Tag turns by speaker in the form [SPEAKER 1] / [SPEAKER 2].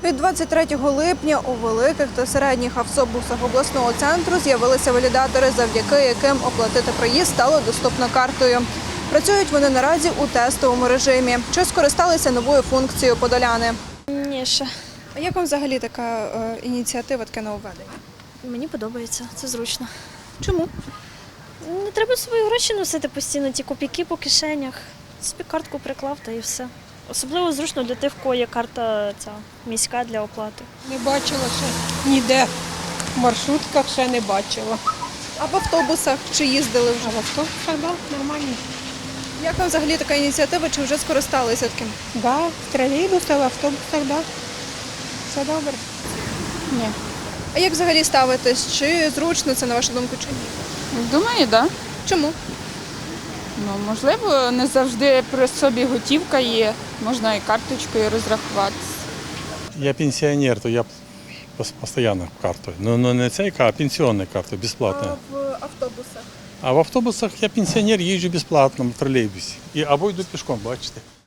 [SPEAKER 1] Від 23 липня у великих та середніх автобусах обласного центру з'явилися валідатори, завдяки яким оплатити проїзд стало доступно картою. Працюють вони наразі у тестовому режимі. Чи скористалися новою функцією подоляни?
[SPEAKER 2] Ні, ще.
[SPEAKER 1] А як вам взагалі така ініціатива, таке нововведення?
[SPEAKER 2] Мені подобається, це зручно.
[SPEAKER 1] Чому?
[SPEAKER 2] Не треба свої гроші носити постійно, ті копійки по кишенях. Собі картку приклав та і все. Особливо зручно для тих, в кого є карта ця міська для оплати.
[SPEAKER 3] Не бачила ще ніде. В маршрутках ще не бачила.
[SPEAKER 1] А в автобусах чи їздили вже?
[SPEAKER 3] А в автобусах, да, нормально.
[SPEAKER 1] Як вам взагалі така ініціатива, чи вже скористалися таким?
[SPEAKER 3] Да, в тролейбусах, в автобусах, да. Все добре.
[SPEAKER 4] Ні.
[SPEAKER 1] А як взагалі ставитесь? Чи зручно це, на вашу думку, чи ні?
[SPEAKER 4] Думаю, так. Да.
[SPEAKER 1] Чому?
[SPEAKER 4] Ну, можливо, не завжди при собі готівка є, можна і карточкою розрахуватися.
[SPEAKER 5] Я пенсионер, то я постоянно картой. Но не цей, а пенсионной картой, бесплатно.
[SPEAKER 1] в автобусах?
[SPEAKER 5] А в автобусах я пенсионер, їжджу безплатно в тролейбусі. Або йду пішком, бачите.